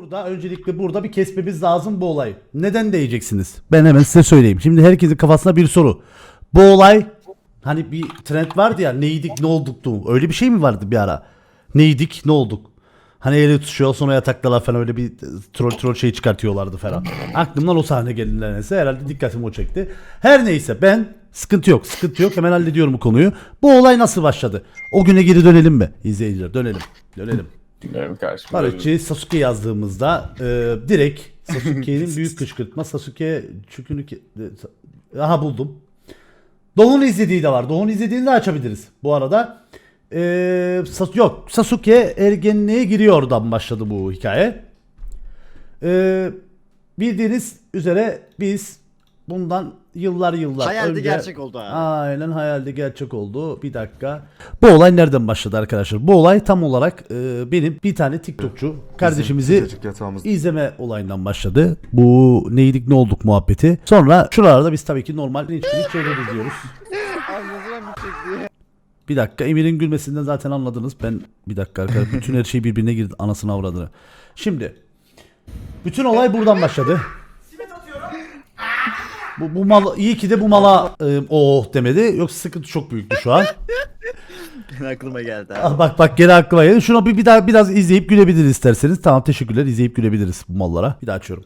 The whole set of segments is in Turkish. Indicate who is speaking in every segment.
Speaker 1: burada öncelikle burada bir kesmemiz lazım bu olayı. Neden diyeceksiniz? Ben hemen size söyleyeyim. Şimdi herkesin kafasına bir soru. Bu olay hani bir trend vardı ya, neydik ne olduktu. Öyle bir şey mi vardı bir ara? Neydik ne olduk? Hani eli tutuşuyor sonra yataktalar falan, öyle bir troll şey çıkartıyorlardı falan. Aklımdan o sahne geldi neredeyse. Herhalde dikkatimi o çekti. Her neyse, ben sıkıntı yok hemen hallediyorum bu konuyu. Bu olay nasıl başladı? O güne geri dönelim mi izleyiciler? Dönelim.
Speaker 2: Dinlerim karşımda.
Speaker 1: Barışçı Sasuke yazdığımızda direkt Sasuke'nin büyük kışkırtma, Sasuke çükünü aha buldum. Doğu'nun izlediği de var. Doğu'nun izlediğini de açabiliriz bu arada. Sasuke ergenliğe giriyor, oradan başladı bu hikaye. Bildiğiniz üzere biz bundan yıllar
Speaker 3: Hayalde
Speaker 1: önce...
Speaker 3: gerçek oldu ha.
Speaker 1: Aynen, hayalde gerçek oldu. Bir dakika. Bu olay nereden başladı arkadaşlar? Bu olay tam olarak benim bir tane TikTokçu kardeşimizi izleme olayından başladı. Bu neydik ne olduk muhabbeti. Sonra şuralarda biz tabii ki normal linçlik şeyler izliyoruz. Bir dakika, Emir'in gülmesinden zaten anladınız. Ben bir dakika arkadaşlar, bütün her şey birbirine girdi, anasını avradını. Şimdi bütün olay buradan başladı. Bu mal iyi ki de bu mala oh demedi. Yoksa sıkıntı çok büyüktü şu an.
Speaker 3: Aklıma geldi
Speaker 1: Ah,
Speaker 3: abi.
Speaker 1: bak geri aklıma geldi. Şunu bir daha biraz izleyip gülebiliriz isterseniz. Tamam, teşekkürler. İzleyip gülebiliriz bu mallara. Bir daha açıyorum.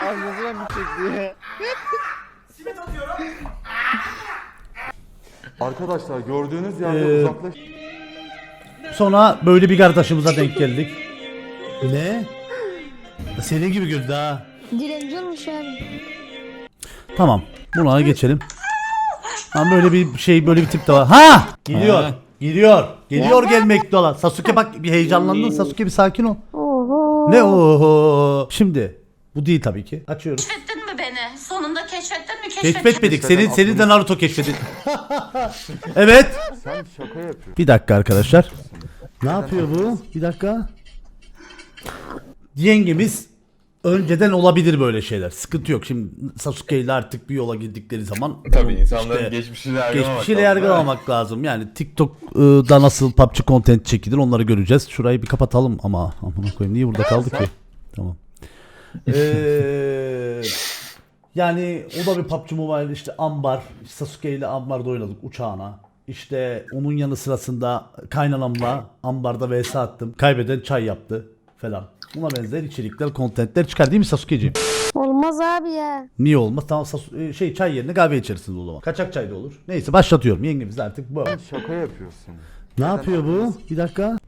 Speaker 4: Arkadaşlar gördüğünüz yerde uzaklaş.
Speaker 1: Sonra böyle bir kardeşimize denk geldik. Ne? Senin gibi güldü ha.
Speaker 5: Direnci olmuş abi.
Speaker 1: Tamam. Buna geçelim. Tamam, böyle bir şey, böyle bir tip de var. Ha! Geliyor gelmekte olan. Sasuke bak, bir heyecanlandın. Sasuke bir sakin ol.
Speaker 5: Oho.
Speaker 1: Ne oho? Şimdi bu değil tabii ki. Açıyoruz.
Speaker 6: Keşfettin mi beni? Sonunda keşfettin mi?
Speaker 1: Keşfetmedik. Seni de Naruto keşfedi. Evet.
Speaker 4: Sen şaka yapıyorsun.
Speaker 1: Bir dakika arkadaşlar. Ne yapıyor bu? Bir dakika. Yengemiz önceden olabilir böyle şeyler. Sıkıntı yok. Şimdi Sasuke ile artık bir yola girdikleri zaman
Speaker 2: Tabii insanların geçmişiyle
Speaker 1: geçmişiyle yargılamak lazım. Yani TikTok'da nasıl PUBG content çekilir onları göreceğiz. Şurayı bir kapatalım ama amına koyayım, niye burada kaldı ki? Tamam. Yani o da bir PUBG Mobile, işte Ambar, Sasuke ile Ambar'da oynadık uçağına. İşte onun yanı sırasında kaynanamla Ambar'da vs attım. Kaybeden çay yaptı falan. Buna benzer içerikler, kontentler çıkar değil mi Sasuke'ciğim?
Speaker 5: Olmaz abi ya.
Speaker 1: Niye olmaz? Tamam, çay yerine kahve içersiniz o zaman. Kaçak çay da olur. Neyse, başlatıyorum. Yengemiz artık bu.
Speaker 4: Sen şaka yapıyorsun.
Speaker 1: Ne yapıyor bu? Bir dakika.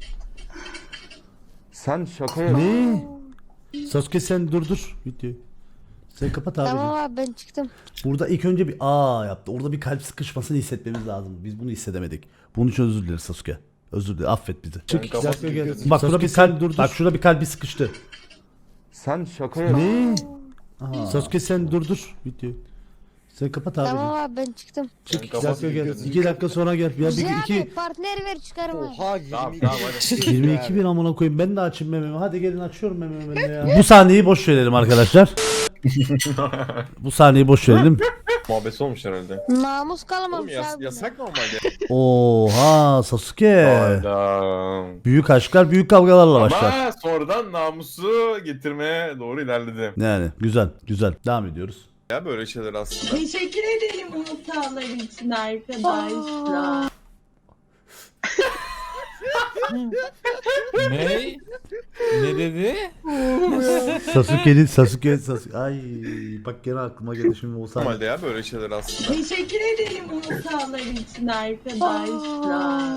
Speaker 4: Sen şaka yapıyorsun.
Speaker 1: Ne? Sasuke sen dur. Videoyu. Sen kapat abi.
Speaker 5: Tamam abi, ben çıktım.
Speaker 1: Burada ilk önce bir aa yaptı. Orada bir kalp sıkışmasını hissetmemiz lazım. Biz bunu hissedemedik. Bunun için özür dileriz Sasuke. Özür dilerim. Affet bizi. Çık. Bak şurada bir kalp bak şurada bir kalbi sıkıştı.
Speaker 4: Sen şaka yapıyorsun.
Speaker 1: Ne? Sasuke sen dur. Videoyu. Sen kapat abi.
Speaker 5: Tamam abi, ben çıktım.
Speaker 1: Çık. 2 dakika gel. 2 dakika sonra gel. Ya
Speaker 5: Güzel
Speaker 1: bir
Speaker 5: abi, partner ver çıkarım abi.
Speaker 3: Oha 22.
Speaker 1: 22 bin amına koyayım. Ben de açayım mememi. Hadi gelin, açıyorum mememi ben de ya. Bu sahneyi boş verelim arkadaşlar. Bu sahneyi boş verelim.
Speaker 2: Muhabbeti olmuş herhalde.
Speaker 5: Namus
Speaker 2: Oğlum
Speaker 5: kalmamış abi.
Speaker 2: yasak normalde.
Speaker 1: Oha Sasuke.
Speaker 2: Hayda.
Speaker 1: Büyük aşklar büyük kavgalarla başlar.
Speaker 2: Ama sonradan namusu getirmeye doğru ilerledi.
Speaker 1: Yani güzel. Devam ediyoruz.
Speaker 2: Ya böyle şeyler aslında.
Speaker 7: Teşekkür ederim bu hatalar için arkadaşlar.
Speaker 8: Ne? Ne dedi?
Speaker 1: Sasuke. Ay bak gene aklıma geldi şimdi o sahne.
Speaker 2: Normalde ya böyle şeyler aslında.
Speaker 7: Teşekkür ederim bu hatalar için arkadaşlar.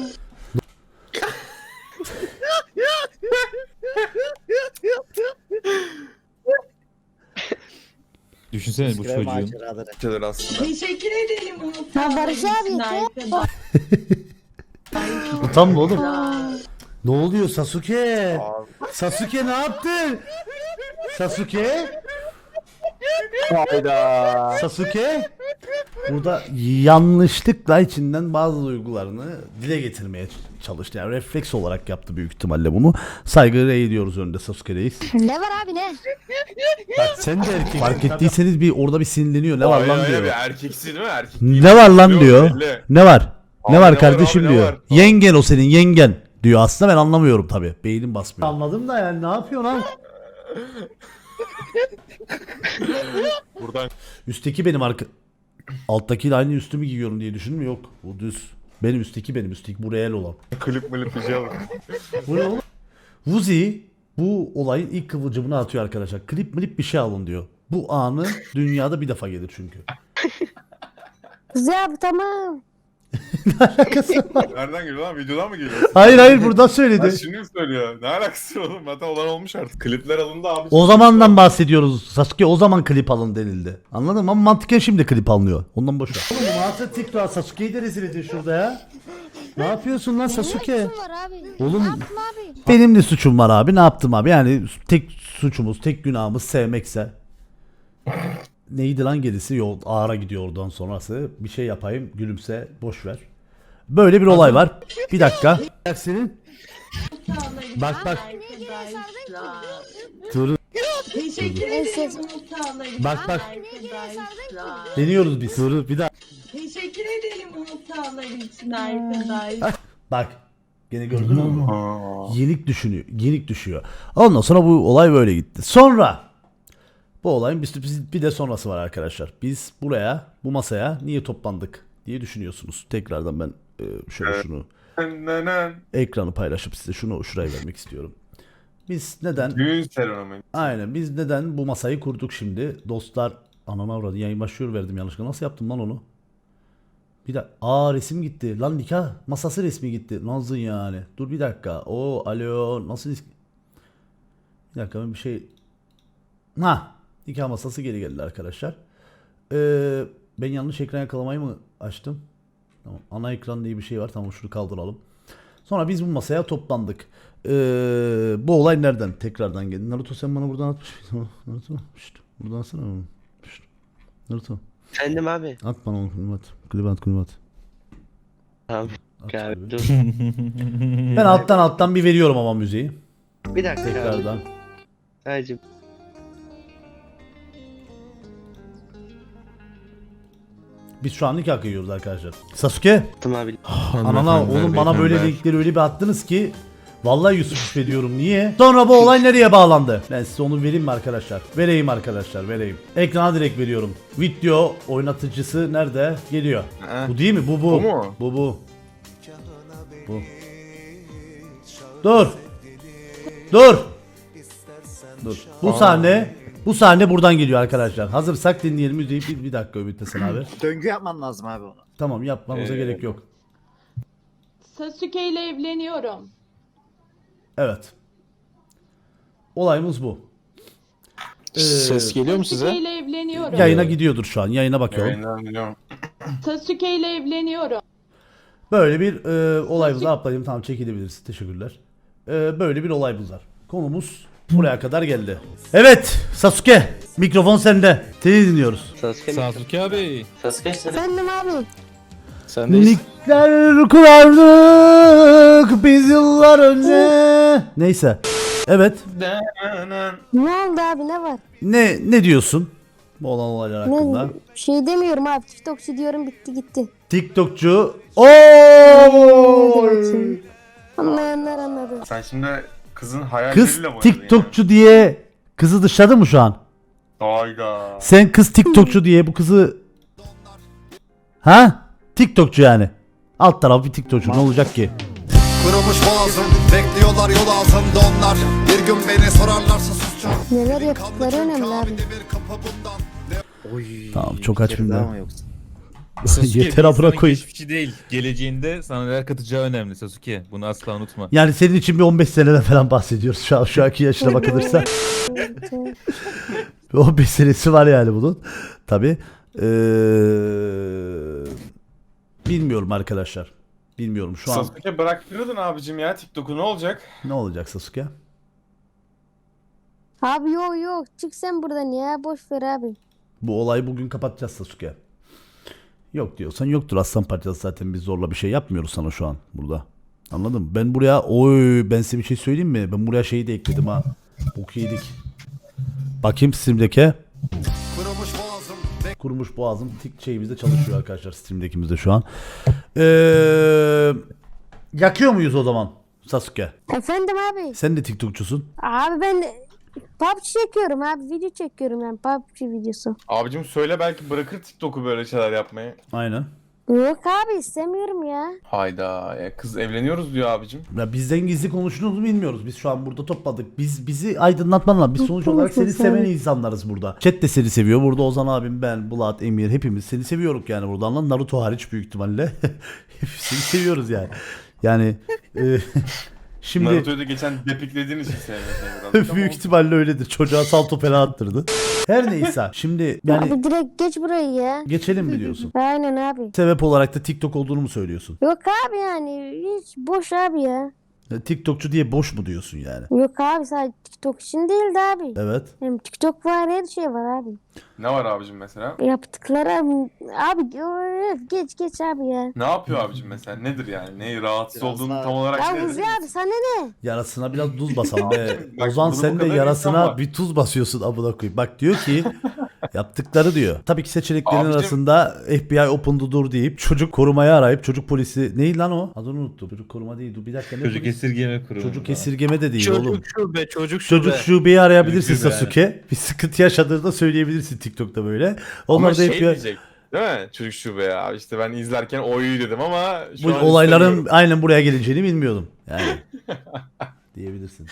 Speaker 8: Düşünsene bu
Speaker 3: Krem
Speaker 8: çocuğun.
Speaker 3: maceraları.
Speaker 2: Şeyler aslında.
Speaker 7: Teşekkür ederim bu
Speaker 5: Ha,
Speaker 7: hatalar
Speaker 5: Barış
Speaker 7: için
Speaker 5: abi,
Speaker 7: arkadaşlar.
Speaker 1: Utanma oğlum. Ne oluyor Sasuke? Sasuke ne yaptın? Sasuke? Sasuke? Burada yanlışlıkla içinden bazı duygularını dile getirmeye çalıştı. Yani refleks olarak yaptı büyük ihtimalle bunu. Saygı ediyoruz önünde Sasuke reis.
Speaker 5: Ne var abi ne?
Speaker 1: Bak sen de erkek. Fark ettiyseniz bir orada bir sinirleniyor. Ne var lan
Speaker 2: Öyle
Speaker 1: diyor.
Speaker 2: bir erkeksi değil mi? Erkek
Speaker 1: Ne var lan
Speaker 2: Yok,
Speaker 1: diyor.
Speaker 2: belli.
Speaker 1: Ne var? Ne
Speaker 2: Abi
Speaker 1: var
Speaker 2: ne var
Speaker 1: kardeşim
Speaker 2: abi, ne
Speaker 1: diyor.
Speaker 2: var?
Speaker 1: Yengen o senin yengen diyor. Aslında ben anlamıyorum tabi. Beynim basmıyor. Anladım da yani ne yapıyor lan?
Speaker 2: Buradan
Speaker 1: Üstteki benim alttakiyle aynı üstümü giyiyorum diye düşündüm, yok. Bu düz. Benim üstteki benim üstteki bu reel olan.
Speaker 2: klip milip bir şey alın.
Speaker 1: Bu ne oğlum? Vuzi bu olayın ilk kıvılcımını atıyor arkadaşlar. Klip milip bir şey alın diyor. Bu anı dünyada bir defa gelir çünkü.
Speaker 5: Kuzey abi tamam.
Speaker 2: Nereden geliyor lan? Videodan mı geliyor?
Speaker 1: Hayır buradan
Speaker 2: Ha,
Speaker 1: söyledi.
Speaker 2: şimdi mi söylüyor? Ne alakası var oğlum? Zaten olan olmuş artık. Klipler alındı abi.
Speaker 1: O zamandan bahsediyoruz. Sasuke o zaman klip alın denildi. Anladın mı? Ama mantıken şimdi klip alınıyor. Ondan boş ver. Oğlum nasıl TikTok Sasuke'yi de rezil edin şurada ya. Ne yapıyorsun lan Sasuke?
Speaker 5: Ne suçum var abi?
Speaker 1: Oğlum-
Speaker 5: Ne yaptım abi?
Speaker 1: Benim de suçum var abi. Ne yaptım abi? Yani tek suçumuz, tek günahımız sevmekse. Neydi lan gerisi? Yol ağıra gidiyor oradan sonrası. Bir şey yapayım, gülümse, boş ver. Böyle bir olay var. Bir dakika. Senin? Bak bak. Dur.
Speaker 7: Teşekkür
Speaker 5: Neyse.
Speaker 7: ederim Mustafa'lar
Speaker 1: Bak, bak.
Speaker 7: arkadaşlar.
Speaker 1: Deniyoruz biz. Dur bir daha.
Speaker 7: Teşekkür ederim Mustafa'lar için arkadaşlar.
Speaker 1: Bak. Gene gördün mü? Yenik düşünüyor. Yenik düşüyor. Ondan sonra bu olay böyle gitti. Sonra bu olayın bir de sonrası var arkadaşlar. Biz buraya, bu masaya niye toplandık diye düşünüyorsunuz. Tekrardan ben şöyle şunu ekranı paylaşıp size şuraya vermek istiyorum. Biz neden
Speaker 2: Düğün seremonisi.
Speaker 1: aynen biz neden bu masayı kurduk şimdi? Dostlar anana avradı yayın başlıyor verdim yanlışlıkla. Nasıl yaptım lan onu? Bir dakika. Resim gitti. Lan nikah masası resmi gitti. Nasıl yani? Dur bir dakika. Alo nasıl bir dakika ben bir şey nikah masası geri geldi arkadaşlar. Ben yanlış ekran yakalamayı mı açtım? Tamam. Ana ekran diye bir şey var. Tamam şunu kaldıralım. Sonra biz bu masaya toplandık. Bu olay nereden? Tekrardan geldi. Naruto sen bana buradan atmış. Naruto. Şşt, buradan atsana. Şşt. Naruto.
Speaker 3: Efendim abi.
Speaker 1: At bana onu. Klip at. Klip at.
Speaker 3: Tamam.
Speaker 1: At
Speaker 3: Abi
Speaker 1: şöyle.
Speaker 3: dur.
Speaker 1: Ben alttan bir veriyorum ama müziği.
Speaker 3: Bir dakika abi.
Speaker 1: Tekrardan.
Speaker 3: Sadece
Speaker 1: Biz şu an nikah kıyıyoruz arkadaşlar. Sasuke.
Speaker 3: attım abi.
Speaker 1: Anana oğlum bana böyle linkleri öyle bir attınız ki. Vallahi Yusuf şüphediyorum. Niye? Sonra bu olay nereye bağlandı? Ben size onu vereyim mi arkadaşlar? Vereyim arkadaşlar vereyim. Ekrana direkt veriyorum. Video oynatıcısı nerede? Geliyor. Bu değil mi? Bu.
Speaker 2: Bu mu?
Speaker 1: Bu. Dur. Dur. Bu sahne buradan geliyor arkadaşlar. Hazırsak dinleyelim müziği. Bir dakika Ümit Hasan abi.
Speaker 3: Döngü yapman lazım abi onu.
Speaker 1: Tamam yapmamıza gerek yok.
Speaker 7: Sasuke ile evleniyorum.
Speaker 1: Evet. Olayımız bu.
Speaker 9: Ses geliyor mu
Speaker 7: Sasuke
Speaker 9: size?
Speaker 7: ile evleniyorum.
Speaker 1: Yayına gidiyordur şu an. Yayına bakıyorum.
Speaker 2: Yayından biliyorum.
Speaker 7: Sasuke ile evleniyorum.
Speaker 1: Böyle bir olayımız var. Ablayım tamam çekilebiliriz. Teşekkürler. Böyle bir olayımız var. Konumuz buraya kadar geldi. Evet Sasuke. Mikrofon sende. Seni dinliyoruz.
Speaker 8: Sasuke abi.
Speaker 5: Efendim abi.
Speaker 9: Sen de
Speaker 1: Minikler kurardık biz yıllar önce. Neyse. Evet.
Speaker 5: Ne oldu abi ne var?
Speaker 1: Ne diyorsun? Bu olan olaylar hakkında.
Speaker 5: Ne şey demiyorum abi. TikTokçu diyorum bitti gitti.
Speaker 1: TikTokçu.
Speaker 5: Anlayanlar anladı.
Speaker 2: Sen şimdi kızın hayalleriyle
Speaker 1: Kız
Speaker 2: mi oynadın
Speaker 1: TikTokçu diye kızı dışladı mı şu an?
Speaker 2: ya? Hayda.
Speaker 1: Sen kız TikTokçu diye bu kızı... Ha? TikTokçu yani. Alt tarafı bir TikTokçu ne olacak ki?
Speaker 10: Kurumuş boğazım, bekliyorlar yol ağzımda onlar. Bir gün beni sorarlarsa susacağım.
Speaker 5: Neler yaptıkları önemli abi.
Speaker 10: Bir kapı bundan.
Speaker 3: Oy.
Speaker 1: Tamam, çok aç
Speaker 3: bir
Speaker 1: filmler.
Speaker 3: daha mı yoksa?
Speaker 8: Sasuke
Speaker 1: Yeter
Speaker 8: bir
Speaker 1: abra
Speaker 8: insanın
Speaker 1: koyayım.
Speaker 8: geçmişi değil. Geleceğinde sana neler katacağı önemli Sasuke. Bunu asla unutma.
Speaker 1: Yani senin için bir 15 seneden falan bahsediyoruz şu anki yaşına bakılırsa. 15 senesi var yani bunun. Tabi. Bilmiyorum arkadaşlar. Bilmiyorum şu an.
Speaker 2: Sasuke bıraktırırdın abicim ya TikTok'u ne olacak?
Speaker 1: Ne olacak Sasuke?
Speaker 5: Abi yok çık sen buradan ya boş ver abi.
Speaker 1: Bu olayı bugün kapatacağız Sasuke. Yok diyorsan yoktur aslan parçası, zaten biz zorla bir şey yapmıyoruz sana şu an burada. Anladın mı? Ben buraya ben size bir şey söyleyeyim mi? Ben buraya şeyi de ekledim ha. Bok yedik. Bakayım Steam'deki.
Speaker 10: Kurumuş boğazım,
Speaker 1: Kurumuş boğazım şeyimizde çalışıyor arkadaşlar, Steam'dekimizde şu an. Yakıyor muyuz o zaman Sasuke?
Speaker 5: Efendim abi.
Speaker 1: Sen de TikTokçusun.
Speaker 5: Abi ben de PUBG çekiyorum abi. Video çekiyorum yani. PUBG videosu.
Speaker 2: Abicim söyle belki bırakır TikTok'u böyle şeyler yapmayı.
Speaker 1: Aynen.
Speaker 5: Yok abi istemiyorum ya.
Speaker 2: Hayda. Kız evleniyoruz diyor abicim.
Speaker 1: Ya bizden gizli konuştuğunuzu bilmiyoruz. Biz şu an burada topladık. Bizi aydınlatman lazım. Biz sonuç olarak seni seven insanlarız burada. Chat de seni seviyor. Burada Ozan abim, ben, Bulat, Emir hepimiz seni seviyoruz yani buradan lan. Naruto hariç büyük ihtimalle. Seni seviyoruz yani. Yani şimdi
Speaker 2: Naruto'yu da geçen depiklediğin için sevmiyorsun birazcık ama
Speaker 1: büyük ihtimalle öyledir. Çocuğa salto falan attırdı. Her neyse. Şimdi yani
Speaker 5: Abi direkt geç burayı ya.
Speaker 1: geçelim mi diyorsun?
Speaker 5: Aynen abi.
Speaker 1: Sebep olarak da TikTok olduğunu mu söylüyorsun?
Speaker 5: Yok abi yani hiç boş abi ya.
Speaker 1: TikTokçu diye boş mu diyorsun yani?
Speaker 5: Yok abi sadece TikTok için değildi abi.
Speaker 1: Evet.
Speaker 5: Hem TikTok var her şey var abi.
Speaker 2: Ne var abicim mesela?
Speaker 5: Yaptıkları abi geç abi ya.
Speaker 2: Ne yapıyor abicim mesela? Nedir yani? Ne rahatsız
Speaker 3: Biraz
Speaker 2: olduğunu
Speaker 3: daha-
Speaker 2: tam olarak
Speaker 5: Ya
Speaker 2: nedir?
Speaker 5: Uzi abi sana ne?
Speaker 1: Yarasına biraz tuz basalım be.
Speaker 2: Bak,
Speaker 1: Ozan
Speaker 2: burada bu
Speaker 1: sen de
Speaker 2: kadar insan
Speaker 1: yarasına
Speaker 2: var.
Speaker 1: bir tuz basıyorsun amına koyayım. Bak diyor ki yaptıkları diyor. Tabii ki seçeneklerin
Speaker 2: Abicim-
Speaker 1: arasında FBI open'du dur deyip çocuk korumayı arayıp çocuk polisi neydi lan o? Adını unuttum. Çocuk koruma değil. Dur bir dakika ne
Speaker 8: Çocuk
Speaker 1: polisi?
Speaker 8: esirgeme kurumu.
Speaker 1: Çocuk esirgeme de değil oğlum.
Speaker 9: şube, çocuk şube.
Speaker 1: Çocuk şubeyi arayabilirsin
Speaker 8: Çocuk şube.
Speaker 1: Sasuke. Bir sıkıntı yaşadığında söyleyebilirsin TikTok'ta böyle. Onlar
Speaker 2: Ama
Speaker 1: da
Speaker 2: şey
Speaker 1: FBI
Speaker 2: diyecek. Değil mi? Çocuk şube ya. İşte ben izlerken oyu dedim ama şu
Speaker 1: bu
Speaker 2: an
Speaker 1: olayların
Speaker 2: istemiyorum.
Speaker 1: aynen buraya geleceğini bilmiyordum. Yani diyebilirsin.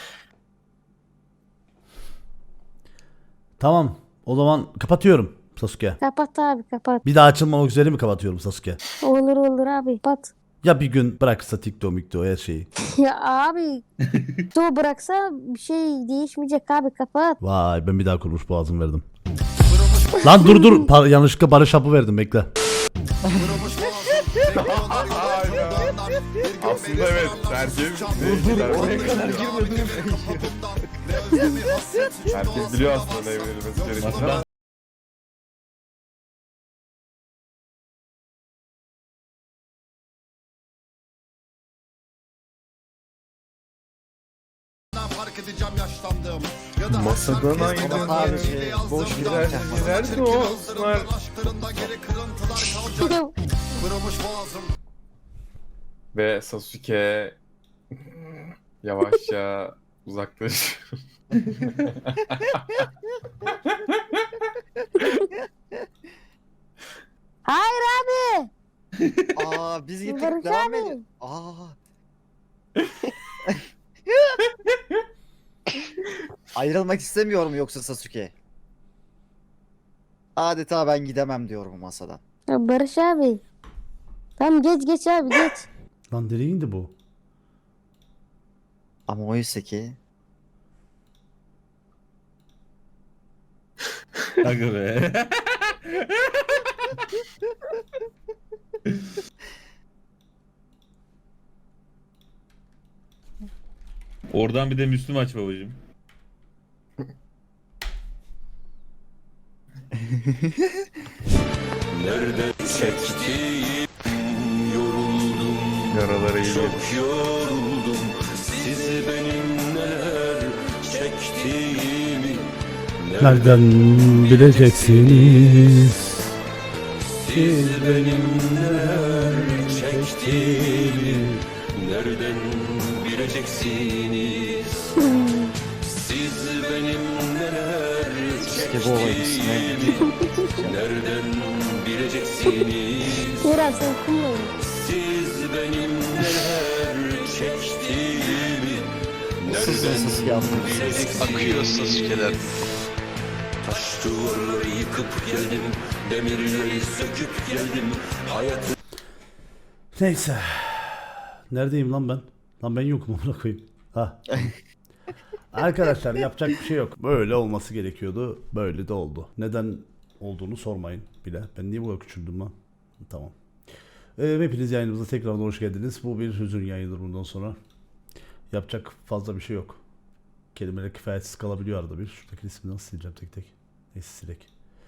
Speaker 1: Tamam. O zaman kapatıyorum Sasuke.
Speaker 5: Kapat abi kapat.
Speaker 1: Bir daha açılmamak üzere mi kapatıyorum Sasuke?
Speaker 5: Olur abi kapat.
Speaker 1: Ya bir gün bırakırsa TikTok her şeyi.
Speaker 5: Ya abi to bıraksa bir şey değişmeyecek abi kapat.
Speaker 1: Vay ben bir daha kurmuş boğazım verdim. Lan dur yanlışlıkla Barış Hapı verdim bekle.
Speaker 10: Kırılmış boğazım bekliyorlar yol ağzında onlar. Bir gün
Speaker 2: Aslında
Speaker 10: beni
Speaker 2: evet,
Speaker 10: sorarlar,
Speaker 2: tercih-
Speaker 10: susacağım,
Speaker 2: Dur,
Speaker 10: bir
Speaker 2: oraya
Speaker 10: gün
Speaker 2: kadar
Speaker 10: beni
Speaker 2: girmedin.
Speaker 10: beni kapatımdan. Ne özlemi hasret suçum
Speaker 2: Herkes
Speaker 10: olsun,
Speaker 2: biliyor
Speaker 10: olmazsa
Speaker 2: aslında ne verilmesi
Speaker 10: yok
Speaker 2: gerektiğini
Speaker 10: sana.
Speaker 2: ama
Speaker 10: Fark edeceğim yaşlandım. Ya da
Speaker 2: Masadan
Speaker 10: akşam kez
Speaker 2: ayrıldım.
Speaker 10: bana
Speaker 3: Abi,
Speaker 10: geceyle yazdım.
Speaker 3: boş
Speaker 10: Ya
Speaker 3: ver.
Speaker 2: Nerede
Speaker 10: çirkin
Speaker 2: o?
Speaker 10: hazırımdan, aşklarında geri kırıntılar kalacak. Kırılmış boğazım.
Speaker 2: ve Sasuke yavaşça uzaklaş.
Speaker 5: Hayır abi.
Speaker 3: Aa biz gittik
Speaker 5: Barış
Speaker 3: devam
Speaker 5: abi.
Speaker 3: edelim. Aa. Ayrılmak istemiyorum yoksa Sasuke. Adeta ben gidemem diyorum bu masadan.
Speaker 5: Ya Barış abi. Tamam geç abi geç.
Speaker 1: Lan nereye indi bu?
Speaker 3: Ama oysa ki
Speaker 8: Aga be. Oradan bir de Müslüm aç babacım.
Speaker 2: Yaraları iyi gelir.
Speaker 1: Nereden bileceksiniz? Siz benim neler çektiğimi
Speaker 11: Nereden bileceksiniz? Siz benim neler
Speaker 3: işte bu olayın ismi.
Speaker 11: nereden bileceksiniz?
Speaker 5: Biraz sen kumlayın.
Speaker 11: Siz benim neler çektiğimi
Speaker 3: Sasuke Sasuke anlıyorsunuz.
Speaker 11: akıyor Sasuke'ler. Taş duvarları yıkıp geldim, demirleri söküp geldim. Hayat
Speaker 1: Neyse. Neredeyim lan ben? Lan ben yokum amına koyayım. Ha. Arkadaşlar yapacak bir şey yok. Böyle olması gerekiyordu. Böyle de oldu. Neden olduğunu sormayın bile. Ben niye bu kadar küçüldüm lan? Tamam. Hepiniz yayınımıza tekrardan hoş geldiniz. Bu bir hüzün yayınıdır bundan sonra. Yapacak fazla bir şey yok. Kelimeler kifayetsiz kalabiliyor arada bir. Şuradaki ismi nasıl sileceğim tek tek. Neyse silek.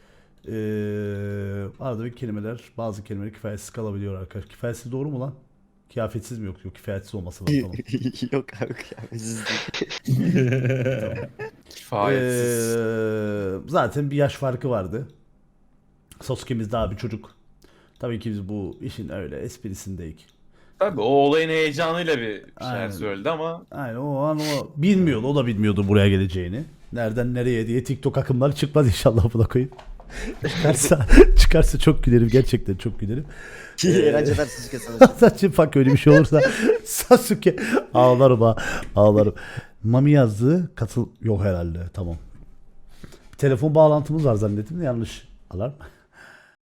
Speaker 1: Arada bir kelimeler, bazı kelimeler kifayetsiz kalabiliyor arkadaşlar. Kifayetsiz doğru mu lan? Kıyafetsiz mi yok? Yok kifayetiz olması lazım. Tamam.
Speaker 3: Yok abi kıyafetsiz değil.
Speaker 2: Kifayetsiz.
Speaker 1: Zaten bir yaş farkı vardı. Sasuke'miz daha bir çocuk. Tabii ki biz bu işin öyle esprisindeyik.
Speaker 2: Tabii o olayın heyecanıyla bir şeyler
Speaker 1: Aynen.
Speaker 2: söyledi ama
Speaker 1: Aynen o an o bilmiyordu. O da bilmiyordu buraya geleceğini. Nereden nereye diye TikTok akımları çıkmaz inşallah buna koyayım. Çıkarsa çok gülerim, gerçekten çok gülerim.
Speaker 3: Eğlenceler Sasuke sana.
Speaker 1: Saçım bak öyle bir şey olursa Sasuke ağlarım ha, ağlarım. Mami yazdı, katıl yok herhalde, tamam. Telefon bağlantımız var zannettim de yanlış. Alarm.